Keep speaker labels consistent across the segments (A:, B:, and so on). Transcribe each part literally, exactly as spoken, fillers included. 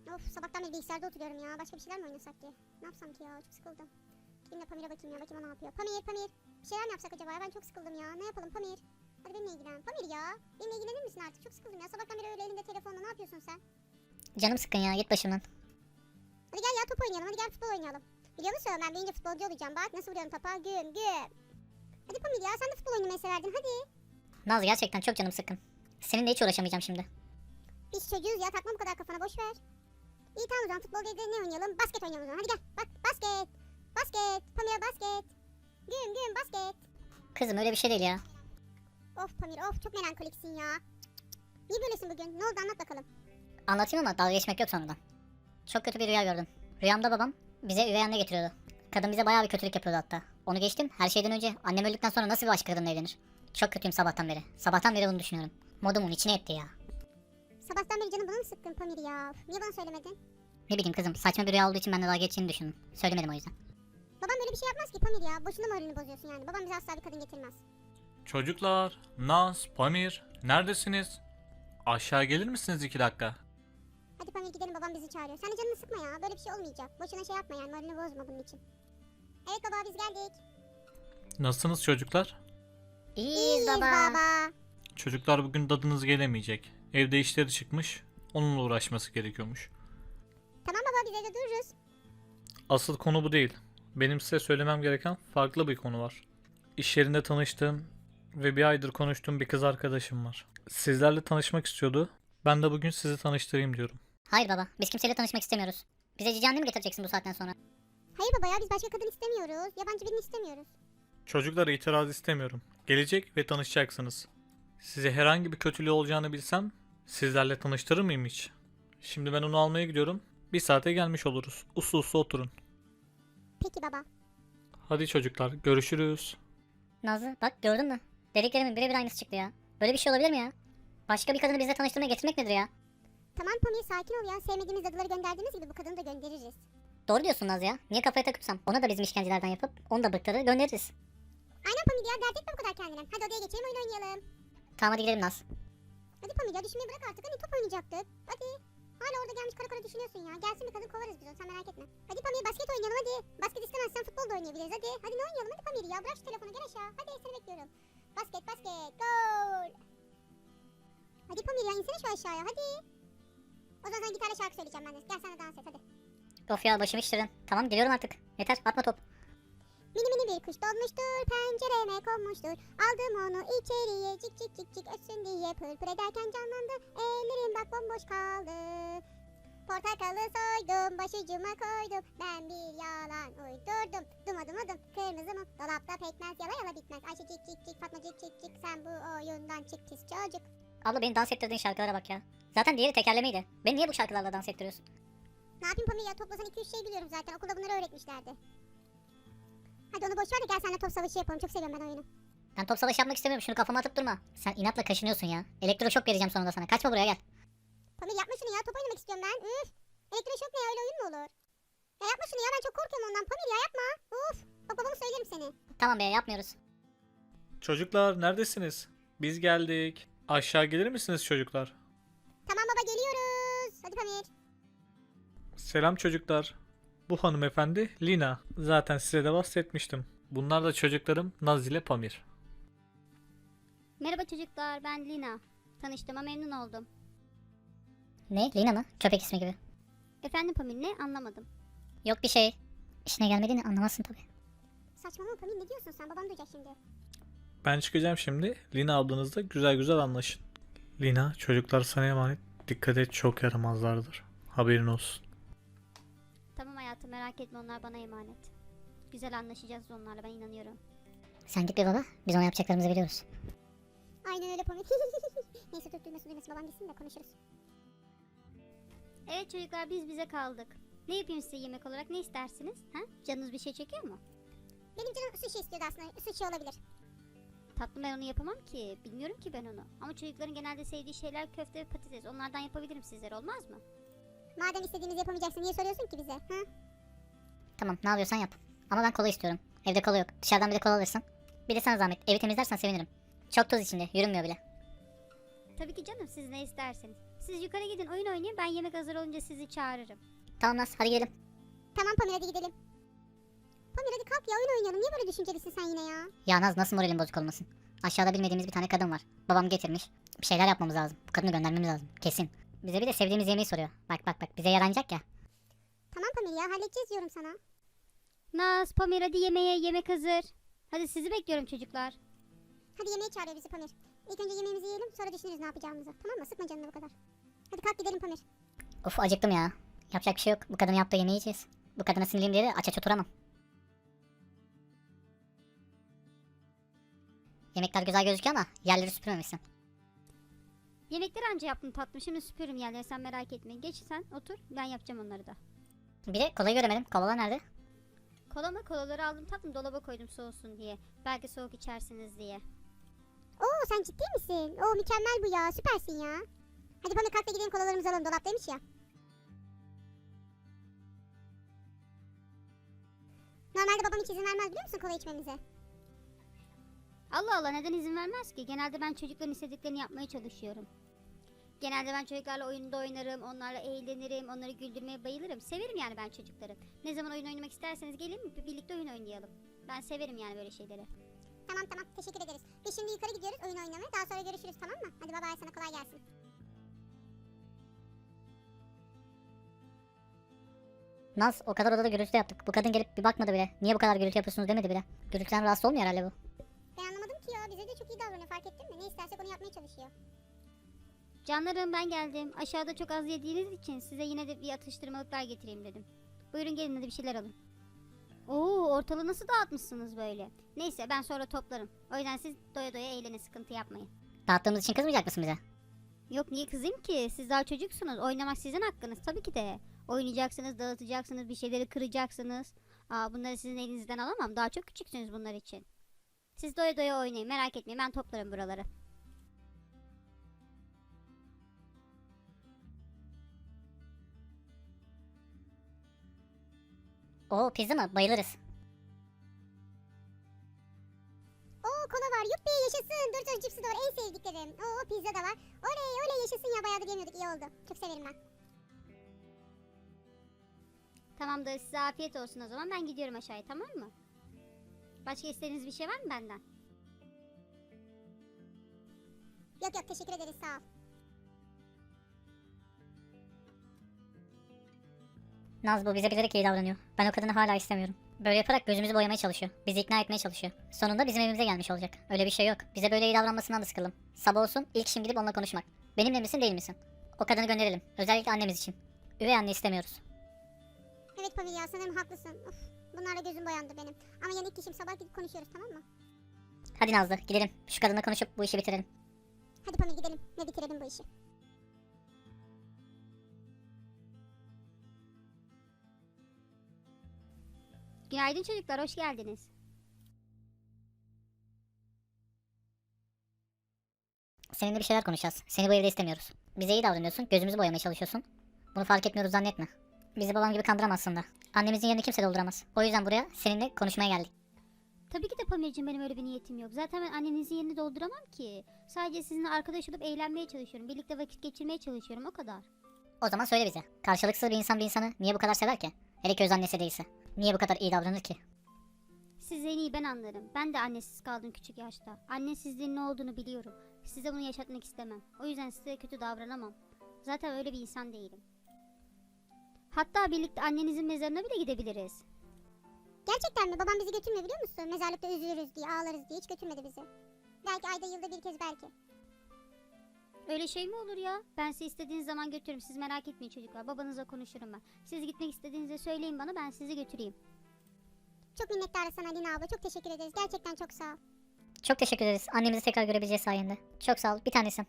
A: Of, sabahtan beri bilgisayarda oturuyorum ya. Başka bir şeyler mi oynasak ki? Ne yapsam ki ya? Çok sıkıldım. Gideyim de Pamir'e bakayım ya. Bakayım o ne yapıyor. Pamir, Pamir. Bir şeyler mi yapsak acaba ya? Ben çok sıkıldım ya. Ne yapalım Pamir? Hadi benimle ilgilen. Pamir ya. Benimle ilgilenir misin artık? Çok sıkıldım ya. Sabahtan beri öyle elinde telefonla. Ne yapıyorsun sen?
B: Canım sıkkın ya, git başımdan.
A: Hadi gel ya, top oynayalım. Hadi gel futbol oynayalım. Biliyor musun, ben büyüyünce futbolcu olacağım. Bak nasıl vuruyorum topa. Güm güm. Hadi Pamir ya, sen de futbol oynamayı severdin. Hadi.
B: Naz, gerçekten çok canım sıkkın. Seninle hiç uğraşamayacağım şimdi.
A: Biz çocuğuz ya, takma bu kadar kafana, boş ver. İyi tamam o zaman, futbol değil de ne oynayalım? Basket oynayalım o zaman. Hadi gel. Bak, basket. Basket. Pamir, basket. Güm güm basket.
B: Kızım, öyle bir şey değil ya.
A: Of Pamir of, çok melankoliksin ya. Niye böylesin bugün? Ne oldu, anlat bakalım.
B: Anlatayım ama dalga geçmek yok sonradan. Çok kötü bir rüya gördüm. Rüyamda babam bize üvey anne getiriyordu. Kadın bize bayağı bir kötülük yapıyordu hatta. Onu geçtim, her şeyden önce annem öldükten sonra nasıl bir başka kadınla evlenir? Çok kötüyüm sabahtan beri. Sabahtan beri bunu düşünüyorum. Modumun içine etti ya.
A: Sabahtan beri canım bana mı sıkkın Pamir ya? Niye bana söylemedin?
B: Ne bileyim kızım, saçma bir rüya olduğu için ben de dalga geçeceğini düşündüm. Söylemedim o yüzden.
A: Babam böyle bir şey yapmaz ki Pamir ya. Boşuna moralini bozuyorsun yani. Babam bize asla bir kadın getirmez.
C: Çocuklar, Naz, Pamir, neredesiniz? Aşağı gelir misiniz iki dakika?
A: Hadi Pamir gidelim, babam bizi çağırıyor. Sen de canını sıkma ya. Böyle bir şey olmayacak. Boşuna şey yapma yani, moralini bozma bunun için. Evet baba, biz geldik.
C: Nasılsınız çocuklar?
B: İyiyiz baba.
A: baba.
C: Çocuklar bugün dadınız gelemeyecek. Evde işleri çıkmış, onunla uğraşması gerekiyormuş.
A: Tamam baba, biz evde dururuz.
C: Asıl konu bu değil. Benim size söylemem gereken farklı bir konu var. İş yerinde tanıştığım ve bir aydır konuştuğum bir kız arkadaşım var. Sizlerle tanışmak istiyordu. Ben de bugün sizi tanıştırayım diyorum.
B: Hayır baba, biz kimseyle tanışmak istemiyoruz. Bize cici anne mi getireceksin bu saatten sonra?
A: Hayır baba ya, biz başka kadın istemiyoruz. Yabancı birini istemiyoruz.
C: Çocuklara itiraz istemiyorum. Gelecek ve tanışacaksınız. Size herhangi bir kötülüğü olacağını bilsem sizlerle tanıştırır mıyım hiç? Şimdi ben onu almaya gidiyorum. Bir saate gelmiş oluruz. Uslu uslu oturun.
A: Peki baba.
C: Hadi çocuklar, görüşürüz.
B: Nazlı, bak gördün mü? Dediklerimin birebir aynısı çıktı ya. Böyle bir şey olabilir mi ya? Başka bir kadını bizle tanıştırmaya getirmek nedir ya?
A: Tamam Pamir, sakin ol ya. Sevmediğimiz dadıları gönderdiğimiz gibi bu kadını da göndeririz.
B: Doğru diyorsun Naz ya. Niye kafaya takıpsam? Ona da bizim işkencelerden yapıp onu da bıktırır göndeririz.
A: Aynen Pamir ya, dert etme bu kadar kendine. Hadi odaya geçelim, oyun oynayalım.
B: Tamam, hadi gidelim Naz.
A: Hadi Pamir ya, düşünmeyi bırak artık. Hani top oynayacaktık. Hadi. Hala orada gelmiş kara kara düşünüyorsun ya. Gelsin bir kadın, kovarız biz onu, sen merak etme. Hadi Pamir, basket oynayalım hadi. Basket istemezsen futbol da oynayabiliriz hadi. Hadi ne oynayalım hadi Pamir ya. Bırak şu telefonu, gel aşağı. Hadi seni bekliyorum. Basket basket gol. Hadi Pamir ya, insene şu aşağıya hadi. O zaman sana gitarla şarkı söyleyeceğim ben de. Gel sen de dans et hadi.
B: Of ya, başımı iştirdin. Tamam, geliyorum artık. Yeter, atma top.
A: Mini mini bir kuş donmuştur, pencereme konmuştur. Aldım onu içeriye, cik cik cik cik ötsün diye, pır pır ederken canlandı. Ellerim bak bomboş kaldı. Portakalı soydum, başucuma koydum. Ben bir yalan uydurdum. Duma duma dum, kırmızı mum. Dolapta pekmez, yala yala bitmez. Ayşe cik cik cik, Fatma cik cik cik. Sen bu oyundan çık pis çocuk.
B: Abla, beni dans ettirdiğin şarkılara bak ya. Zaten diğeri tekerlemeydi. Beni niye bu şarkılarla dans ettiriyorsun?
A: Ne yapayım Pamir ya, toplasan iki üç şey biliyorum zaten. Okulda bunları öğretmişlerdi. Hadi onu boş ver de gel seninle top savaşı yapalım. Çok seviyorum ben oyunu.
B: Ben top savaşı yapmak istemiyorum. Şunu kafama atıp durma. Sen inatla kaşınıyorsun ya. Elektroşok vereceğim sonunda sana. Kaçma buraya, gel.
A: Pamir yapma şunu ya, top oynamak istiyorum ben. Üf. Elektroşok ne ya, öyle oyun mu olur? Ya yapma şunu ya, ben çok korkuyorum ondan. Pamir ya yapma. Uf. Bak babama söylerim seni.
B: Tamam be, yapmıyoruz.
C: Çocuklar, neredesiniz? Biz geldik. Aşağı gelir misiniz çocuklar?
A: Tamam baba, geliyoruz. Hadi Pamir.
C: Selam çocuklar. Bu hanımefendi Lina. Zaten size de bahsetmiştim. Bunlar da çocuklarım Naz ile Pamir.
D: Merhaba çocuklar, ben Lina. Tanıştığıma memnun oldum.
B: Ne? Lina mı? Köpek ismi gibi.
D: Efendim Pamir, ne anlamadım.
B: Yok bir şey. İşine gelmediğini anlamazsın tabii.
A: Saçmalama Pamir, ne diyorsun sen? Babam duyacak şimdi.
C: Ben çıkacağım şimdi. Lina ablanızla güzel güzel anlaşın. Lina, çocuklar sana emanet. Dikkat et, çok yaramazlardır. Haberin olsun.
D: Tamam hayatım, merak etme, onlar bana emanet. Güzel anlaşacağız onlarla, ben inanıyorum.
B: Sen git bir baba. Biz ona yapacaklarımızı biliyoruz.
A: Aynen öyle Pamir. Neyse tut, duymasın duymasın, babam gitsin de konuşuruz.
D: Evet çocuklar, biz bize kaldık. Ne yapayım size yemek olarak, ne istersiniz? Ha? Canınız bir şey çekiyor mu?
A: Benim canım sushi istiyordu aslında. Sushi olabilir.
D: Tatlım, ben onu yapamam ki. Bilmiyorum ki ben onu. Ama çocukların genelde sevdiği şeyler köfte ve patates. Onlardan yapabilirim sizlere, olmaz mı?
A: Madem istediğimizi yapamayacaksın, niye soruyorsun ki bize? Ha?
B: Tamam, ne yapıyorsan yap. Ama ben kola istiyorum. Evde kola yok. Dışarıdan bir de kola alırsın. Bir de sana zahmet. Evi temizlersen sevinirim. Çok toz içinde. Yürünmüyor bile.
D: Tabii ki canım, siz ne isterseniz. Siz yukarı gidin oyun oynayın. Ben yemek hazır olunca sizi çağırırım.
B: Tamam Naz, hadi gidelim.
A: Tamam Pamir, hadi gidelim. Pamir hadi kalk ya, oyun oynayalım. Niye böyle düşüncelisin sen yine ya?
B: Ya Naz, nasıl moralin bozuk olmasın? Aşağıda bilmediğimiz bir tane kadın var. Babam getirmiş. Bir şeyler yapmamız lazım. Bu kadını göndermemiz lazım. Kesin. Bize bir de sevdiğimiz yemeği soruyor. Bak bak bak, bize yaranacak ya.
A: Tamam Pamir ya, halledeceğiz diyorum sana.
D: Naz, Pamir hadi yemeğe, yemek hazır. Hadi sizi bekliyorum çocuklar.
A: Hadi yemeğe çağırıyor bizi Pamir. İlk önce yemeğimizi yiyelim, sonra düşünürüz ne yapacağımızı. Tamam mı? Sıkma canını bu kadar. Hadi kalk gidelim Pamir.
B: Of, acıktım ya. Yapacak bir şey yok. Bu kadının yaptığı yemeği yiyeceğiz. Bu kadına sinirliyim diye de aç aç oturamam. Yemekler güzel gözüküyor ama yerleri süpürmemişsin.
D: Yemekleri anca yaptım tatlım. Şimdi süpürürüm yerleri, sen merak etme. Geç sen otur, ben yapacağım onları da.
B: Bir de kolayı göremedim. Kolalar nerede?
D: Kola mı? Kolaları aldım tatlım, dolaba koydum soğusun diye. Belki soğuk içersiniz diye.
A: Oo sen ciddi misin? Oo mükemmel bu ya, süpersin ya. Hadi Pamir kalk da gidelim, kolalarımızı alalım, dolaptaymış ya. Normalde babam hiç izin vermez biliyor musun kola içmemize?
D: Allah Allah, neden izin vermez ki? Genelde ben çocukların istediklerini yapmaya çalışıyorum. Genelde ben çocuklarla oyunda oynarım, onlarla eğlenirim, onları güldürmeye bayılırım. Severim yani ben çocukları. Ne zaman oyun oynamak isterseniz gelin birlikte oyun oynayalım. Ben severim yani böyle şeyleri.
A: Tamam tamam, teşekkür ederiz. Biz şimdi yukarı gidiyoruz oyun oynamaya, daha sonra görüşürüz, tamam mı? Hadi baba, sana kolay gelsin.
B: Naz, o kadar odada gürültü yaptık. Bu kadın gelip bir bakmadı bile. Niye bu kadar gürültü yapıyorsunuz demedi bile. Gürültüden rahatsız olmuyor herhalde bu.
A: Ben anlamadım ki ya, bize de çok iyi davranıyor, fark ettin mi? Ne istersek onu yapmaya çalışıyor.
D: Canlarım, ben geldim. Aşağıda çok az yediğiniz için size yine de bir atıştırmalıklar getireyim dedim. Buyurun gelin hadi bir şeyler alın. Oo, ortalığı nasıl dağıtmışsınız böyle? Neyse, ben sonra toplarım. O yüzden siz doya doya eğlenin, sıkıntı yapmayın.
B: Dağıttığımız için kızmayacak mısın bize?
D: Yok, niye kızayım ki? Siz daha çocuksunuz. Oynamak sizin hakkınız tabii ki de. Oynayacaksınız, dağıtacaksınız, bir şeyleri kıracaksınız. Aa, bunları sizin elinizden alamam. Daha çok küçüksünüz bunlar için. Siz doya doya oynayın, merak etmeyin, ben toplarım buraları.
B: Oo, pizza mı? Bayılırız.
A: Oo kola var, yuppi yaşasın. Dur dur, cipsi de var, en sevdiklerim. Oo pizza da var. Oley oley yaşasın ya, bayağıdır yemiyorduk, iyi oldu. Çok severim ben.
D: Tamamdır, size afiyet olsun o zaman. Ben gidiyorum aşağıya, tamam mı? Başka istediğiniz bir şey var mı benden?
A: Yok yok, teşekkür ederiz, sağ ol.
B: Naz, bu bize bilerek iyi davranıyor. Ben o kadını hala istemiyorum. Böyle yaparak gözümüzü boyamaya çalışıyor. Bizi ikna etmeye çalışıyor. Sonunda bizim evimize gelmiş olacak. Öyle bir şey yok. Bize böyle iyi davranmasından da sıkıldım. Sabah olsun, ilk işim gidip onunla konuşmak. Benimle misin değil misin? O kadını gönderelim. Özellikle annemiz için. Üvey anne istemiyoruz.
A: Evet Pamir ya, sanırım haklısın. Of, bunlarla gözüm boyandı benim. Ama yani ilk işim, sabah gidip konuşuyoruz, tamam mı?
B: Hadi Nazlı, gidelim. Şu kadınla konuşup bu işi bitirelim.
A: Hadi Pamir gidelim ve bitirelim bu işi.
D: Günaydın çocuklar, hoş geldiniz.
B: Seninle bir şeyler konuşacağız. Seni bu evde istemiyoruz. Bize iyi davranıyorsun, gözümüzü boyamaya çalışıyorsun. Bunu fark etmiyoruz zannetme. Bizi babam gibi kandıramazsın da. Annemizin yerini kimse dolduramaz. O yüzden buraya seninle konuşmaya geldik.
D: Tabii ki de Pamir'cim, benim öyle bir niyetim yok. Zaten ben annenizin yerini dolduramam ki. Sadece sizinle arkadaş olup eğlenmeye çalışıyorum. Birlikte vakit geçirmeye çalışıyorum, o kadar.
B: O zaman söyle bize. Karşılıksız bir insan bir insanı niye bu kadar sever ki? Hele ki öz annesi değilse. Niye bu kadar iyi davranır ki?
D: Siz en iyi ben anlarım. Ben de annesiz kaldım küçük yaşta. Annesizliğin ne olduğunu biliyorum. Size bunu yaşatmak istemem. O yüzden size kötü davranamam. Zaten öyle bir insan değilim. Hatta birlikte annenizin mezarına bile gidebiliriz.
A: Gerçekten mi? Babam bizi götürmüyor biliyor musun? Mezarlıkta üzülürüz diye, ağlarız diye hiç götürmedi bizi. Belki ayda yılda bir kez belki.
D: Öyle şey mi olur ya? Ben sizi istediğiniz zaman götürürüm. Siz merak etmeyin çocuklar. Babanızla konuşurum ben. Siz gitmek istediğinizde söyleyin bana, ben sizi götüreyim.
A: Çok minnettarız sana Lina abla, çok teşekkür ederiz. Gerçekten çok sağ ol.
B: Çok teşekkür ederiz. Annemizi tekrar görebileceğiz sayende. Çok sağ ol. Bir tanesin.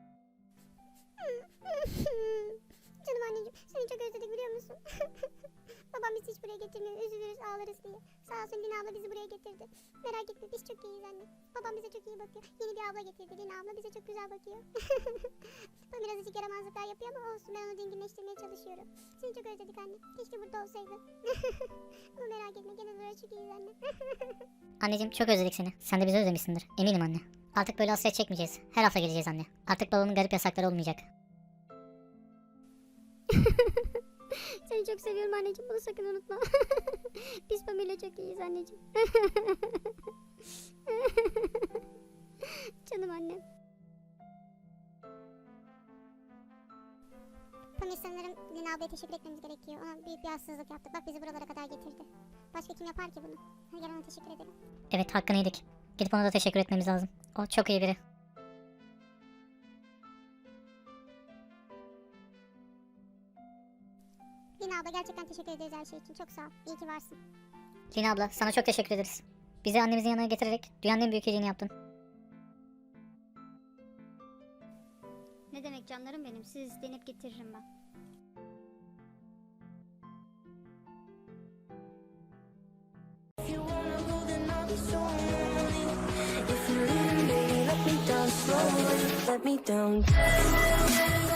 A: Canım anneciğim, seni çok özledik biliyor musun? Babam bizi hiç buraya getirmiyor, üzülürüz ağlarız diye. Sağ olsun Lina abla bizi buraya getirdi. Merak etme, biz çok iyiyiz anne. Babam bize çok iyi bakıyor. Yeni bir abla getirdi, Lina abla bize çok güzel bakıyor. Ben birazcık yaramazlıklar yapıyor ama olsun, ben onu dinginleştirmeye çalışıyorum. Seni çok özledik anne, keşke burada olsaydın. Ama merak etme, genel olarak çok iyiyiz anne.
B: Anneciğim, çok özledik seni. Sen de bizi özlemişsindir. Eminim anne. Artık böyle hasret çekmeyeceğiz. Her hafta geleceğiz anne. Artık babamın garip yasakları olmayacak.
D: Seni çok seviyorum anneciğim. Bunu sakın unutma. Biz Pamela çok iyiyiz anneciğim. Canım annem.
A: Pamir sanırım Lina ablaya teşekkür etmemiz gerekiyor. Ona büyük bir haksızlık yaptık. Bak bizi buralara kadar getirdi. Başka kim yapar ki bunu? Hadi gel ona teşekkür edelim.
B: Evet, hakkını yedik. Gidip ona da teşekkür etmemiz lazım. O çok iyi biri.
A: Lina abla gerçekten teşekkür ederiz her şey için. Çok sağ ol. İyi ki varsın.
B: Lina abla, sana çok teşekkür ederiz. Bizi annemizin yanına getirerek dünyanın en büyük iyiliğini yaptın.
D: Ne demek canlarım benim. Siz denip getiririm ben.
E: If you wanna go, then I'll be so lonely. If you leave me, let me down slowly. Let me down.